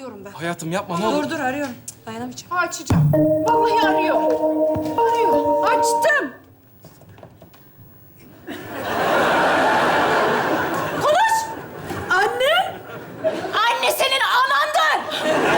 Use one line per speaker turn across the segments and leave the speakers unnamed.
arıyorum ben.
Hayatım yapma ne olur.
Dur arıyorum. Dayanamayacağım.
Açacağım. Vallahi arıyor. Arıyor. Açtım. Konuş. Anne. Anne senin anandır.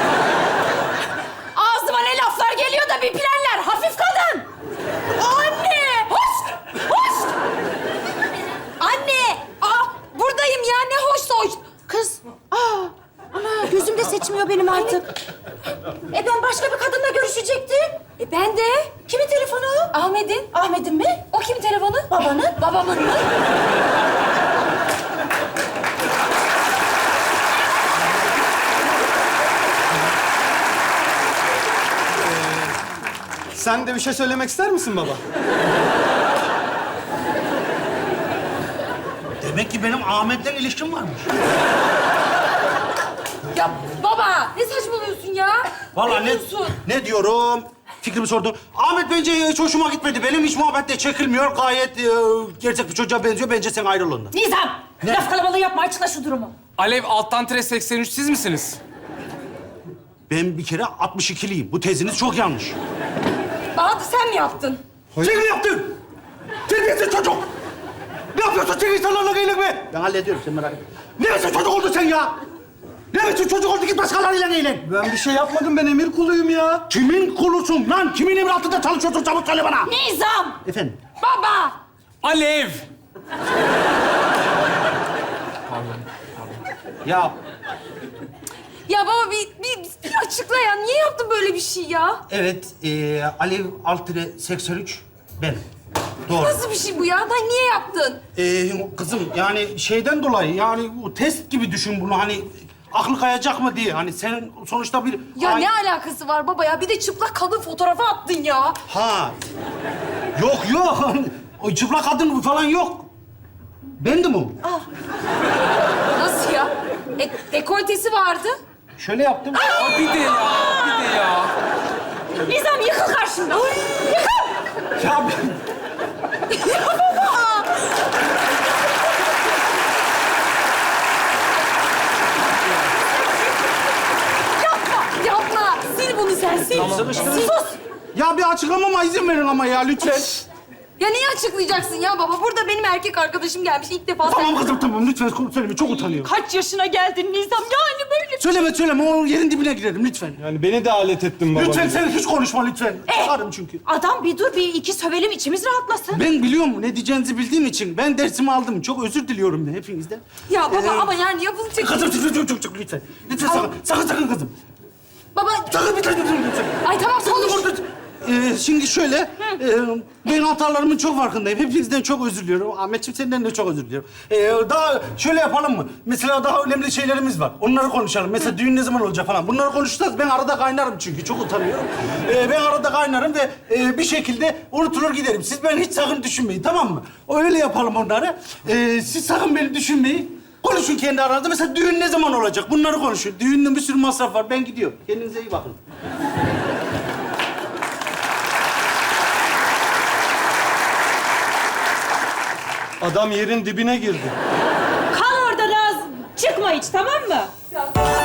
Ağzıma ne laflar geliyor da bir planlar. Hafif kadın. Anne. Hoş. Hoş.
Anne! Buradayım ya. Ne hoşsa hoş.
Kız. Ana gözümde seçmiyor benim artık. Ben başka bir kadınla görüşecektim.
Ben de.
Kimin telefonu?
Ahmet'in.
Ahmet'in mi?
O kimin telefonu?
Babanın.
Babamın mı?
Sen de bir şey söylemek ister misin baba?
Demek ki benim Ahmet'le ilişkim varmış.
Ya baba ne saçmalıyorsun ya?
Vallahi
diyorsun?
ne diyorum? Fikrimi sordum. Ahmet bence hiç hoşuma gitmedi. Benim hiç muhabbetle çekilmiyor. Gayet gerçek bir çocuğa benziyor. Bence sen ayrıl ondan.
Nizam. Laf kalabalığı yapma. Açıkla şu durumu.
Alev alttan tire 83 siz misiniz?
Ben bir kere 62'liyim. Bu teziniz çok yanlış.
Bahattin sen mi yaptın?
Sen mi yaptın? Terbiyesiz çocuk! Ne yapıyorsun sen insanlarla eğlenme? Ben hallediyorum, sen merak etme. Ne biçim çocuk oldun sen ya? Ne biçim çocuk oldun, git başkalarıyla eğlen.
Ben bir şey yapmadım, ben emir kuluyum ya.
Kimin kulusun lan? Kimin emri altında çalışıyorsun? Çabuk söyle bana.
Nizam.
Efendim?
Baba.
Alev!
Ya
Ya baba bir açıkla ya. Niye yaptın böyle bir şey ya?
evet, Alev Altire 83 ben. Doğru.
Nasıl bir şey bu ya? Lan niye yaptın?
Kızım yani şeyden dolayı yani bu test gibi düşün bunu hani aklı kayacak mı diye. Hani senin sonuçta bir...
Ya ne alakası var baba ya? Bir de çıplak kadın fotoğrafı attın ya.
Ha. Yok. O çıplak kadın falan yok. Bendim o.
Nasıl ya? Dekoltesi vardı.
Şöyle yaptım.
Aa, bir de ya.
Nizam yıkıl karşımda. Yıkıl.
Ya ben...
Yapma. Sil bunu sen sil. Sus.
Ya bir açıklamama izin verin ama ya lütfen.
Ya niye açıklayacaksın ya baba? Burada benim erkek arkadaşım gelmiş ilk defa.
Tamam kızım tamam lütfen söyleme çok utanıyorum.
Kaç yaşına geldin Nizam? Yani böyle.
Söyleme o yerin dibine girerim lütfen.
Yani beni de alet ettin baba.
Lütfen sen hiç konuşma lütfen. Çıkarım çünkü.
Adam bir dur, bir iki sövelim, içimiz rahatlasın.
Ben biliyorum ne diyeceğinizi bildiğim için ben dersimi aldım. Çok özür diliyorum ben hepinizden.
Ya baba ama yani yapılacak.
Kızım çok lütfen. Lütfen sakın kızım.
Baba.
Sakın lütfen.
Ay tamam konuş.
Şimdi şöyle, ben hatalarımın çok farkındayım. Hepinizden çok özür diliyorum. Ahmetciğim senden de çok özür diliyorum. Daha şöyle yapalım mı? Mesela daha önemli şeylerimiz var. Onları konuşalım. Mesela düğün ne zaman olacak falan. Bunları konuşacağız. Ben arada kaynarım çünkü. Çok utanıyorum. Ben arada kaynarım ve bir şekilde unutulur giderim. Siz beni hiç sakın düşünmeyin, tamam mı? Öyle yapalım onları. Siz sakın beni düşünmeyin. Konuşun kendi aranızda. Mesela düğün ne zaman olacak? Bunları konuşun. Düğünde bir sürü masraf var. Ben gidiyorum. Kendinize iyi bakın.
Adam yerin dibine girdi.
Kal orada Naz. Çıkma hiç, tamam mı?